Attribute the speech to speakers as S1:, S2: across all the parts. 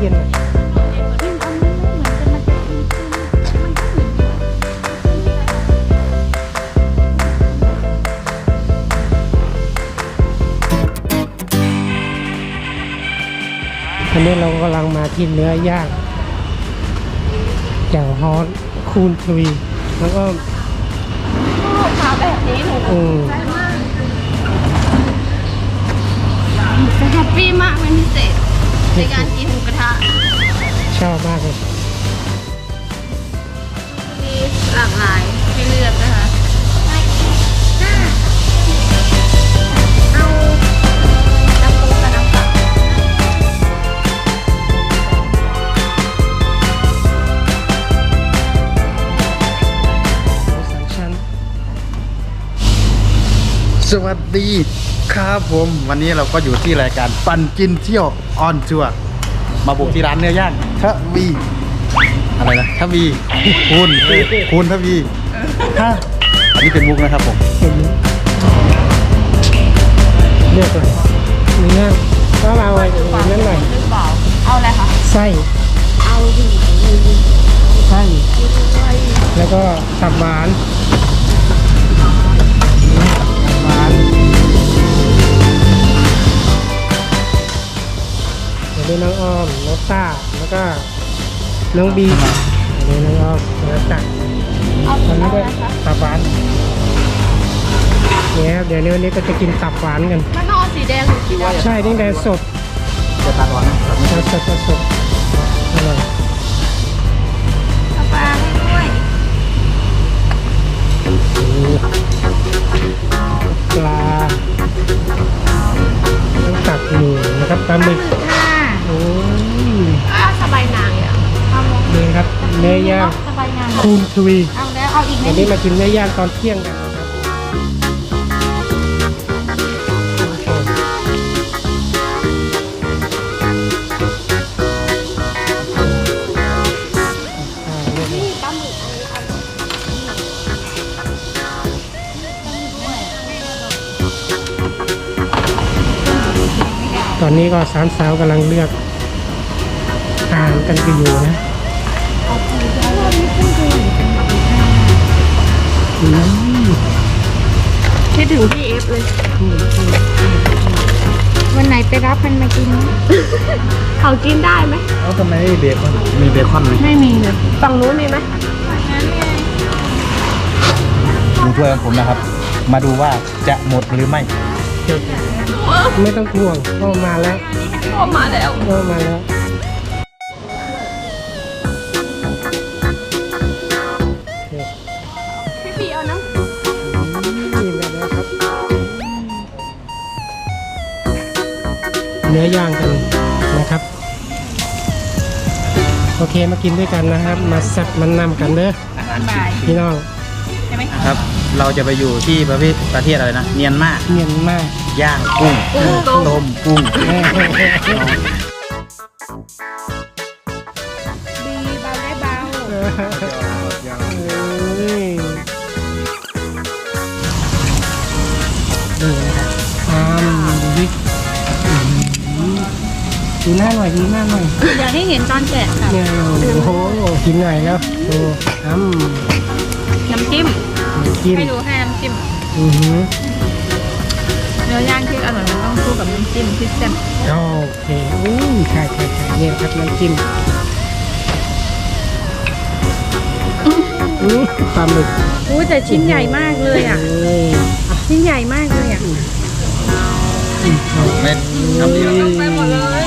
S1: ย็นอันนี้เรากำลังมาที่เนื้อย่างแจ่วฮอนคูณทวีแล้วก็
S2: ขาแบบนี้หนูใจมากจะแฮปปี้มากเป็นพิเศษในการกินหมูกระทะ
S1: ชอบมากเลย
S2: มีหลากหลายให้เลือกนะคะเอาน้ำปูกับน้ำเปล่า
S3: สวัสดีครับผมวันนี้เราก็อยู่ที่รายการปั่นกินเที่ยวออนทัวร์มาบุกที่ร้านเนื้อย่างทวีอะไรนะทวีคุณทวีฮะอันนี้เป็นมุกนะครับผม
S1: เลือกเลยเนื้อก็เอาอะไรนั่นหน่อย
S2: เอาอะไรคะ
S1: ไส้
S2: เอาดิ
S1: ไส้แล้วก็ตับหวานเดี๋ยวน้องอ้อมน้องต้าแล้วก็น้องบีเดี๋ยวน้องอ้อมแล้วตักตอนนี้ก็ตับหวานเนี่ยครับเดี๋ยววันนี้ก็จะกินตับหวานกัน
S2: มันนอนสีแดงหรือสีดำ
S1: ใช่นี่แดงสด
S3: จะทานร้อนนะ
S1: สดอร่อย
S2: ปลาให้ด้วย
S1: ปลาต้องตักหมูนะครับปลาหมึกโอ้ย
S2: สบายนางอ่ะ
S1: นี่ครับเนื้อย่างคูณทวี
S2: เอาแล้วเอาอีก
S1: วันนี้มากินเนื้อย่างตอนเที่ยงกันนะครับตอนนี้ก็สามสาวกำลังเลือกอาหารกันอยู่นะ
S2: คิดถึงพี่เอฟเลยวันไหนไปรับมันมากินเขากินได้ไหม
S3: เอาทำไมเบคอนมีเบคอนไหม
S2: ไม่มีเลยฝั่งนู้นมีไหม
S3: ดูถ้วยของผมนะครับมาดูว่าจะหมดหรือไม่
S1: ไม่ต้องห่วงก็มาแล้ว
S2: ก็มาแล้วพี่ปีเอาน้ำ
S1: กินแล้วครับเนื้อย่างกันนะครับโอเคมากินด้วยกันนะครับมาแซ่บมันนำกันเด้อพี่น้อง
S3: ครับเราจะไปอยู่ที่ประเทศอะไรนะเมียนมาย่างกุ้งต้มกุ้ง
S2: ดีเบาได้เบา
S1: วิกดูหน้าหน่อย
S2: อยากให้เห็นตอนแกะค่ะ
S1: เนี่ยโอ้โหกินหน่อยแล้วโอ้
S2: น้ำจิ้มไม่รู้ให้น้ำจิ้มเนื้อย่างที่อร่อยมันต้องคู่กับน้ำจิ้มที่แซ่บ
S1: โอเคใช่เนี่ยครับน้ำจิ้มปลาหมึก
S2: แต่ชิ้นใหญ่มากเลยอ่ะชิ้นใหญ่มากเลยอ่ะ
S3: เม็ดทำดีแล้ว
S2: ไปหมดเลย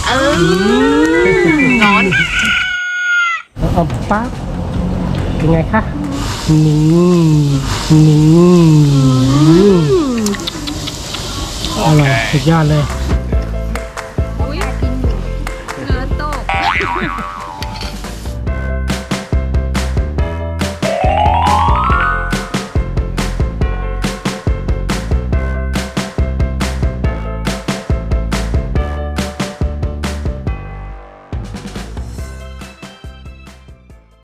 S2: ร้อน
S1: เอาปั๊บเป็นไงคะนี่อร่อยสุดยอดเลย